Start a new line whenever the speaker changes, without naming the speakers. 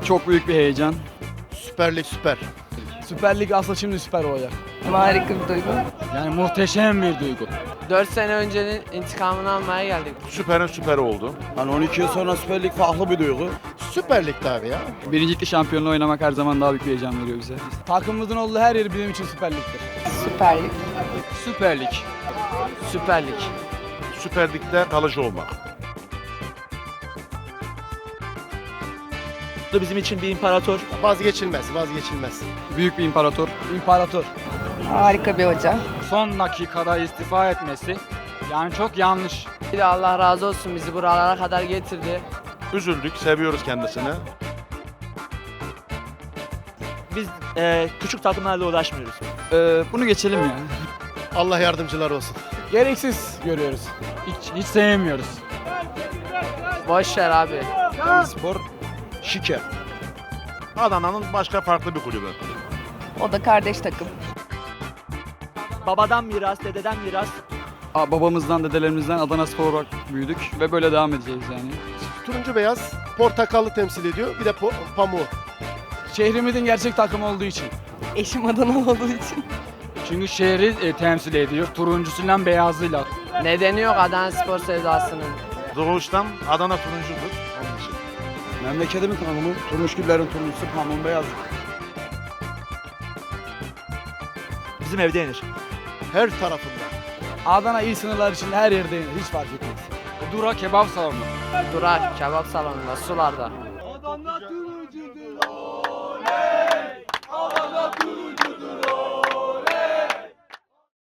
Çok büyük bir heyecan.
Süper Lig süper.
Süper Lig aslında şimdi süper olacak.
Harika bir duygu.
Yani muhteşem bir duygu.
4 sene öncenin intikamını almaya geldik.
Süperin süperi oldu.
Yani 12 yıl sonra Süper Lig farklı bir duygu.
Süper Lig'de abi ya.
Birincilikli şampiyonluğu oynamak her zaman daha büyük bir heyecan veriyor bize. Takımımızın olduğu her yer bizim için Süper Lig'dir.
Süper Lig.
Süper Lig.
Süper Lig.
Süper Lig'de kalıcı olmak.
Bizim için bir imparator.
Vazgeçilmez, vazgeçilmez.
Büyük bir imparator. İmparator.
Harika bir hoca.
Son dakikada istifa etmesi yani çok yanlış.
Bir de Allah razı olsun bizi buralara kadar getirdi.
Üzüldük, seviyoruz kendisini.
Biz küçük takımlarla uğraşmıyoruz.
Bunu geçelim ya.
Allah yardımcıları olsun.
Gereksiz görüyoruz. Hiç sevmiyoruz.
Boş ver abi.
Spor şike.
Adana'nın başka farklı bir kulübü.
O da kardeş takım.
Babadan miras, dededen miras.
Babamızdan, dedelerimizden Adana Spor olarak büyüdük ve böyle devam edeceğiz yani.
Turuncu beyaz, portakallı temsil ediyor. Bir de pamuğu.
Şehrimizin gerçek takımı olduğu için.
Eşim Adanalı olduğu için.
Çünkü şehri temsil ediyor. Turuncusuyla beyazıyla.
Nedeni yok Adana Spor sevdasının.
Doğuştan Adana turuncudur. Onun için.
Memleketimin takımı, turunçgillerin turuncusu, pamuğun beyazı.
Bizim evde yenir.
Her tarafında.
Adana il sınırlar içinde her yerde yenir, hiç fark etmez. Dura kebap salonu.
Durak, kebap salonunda, sularda.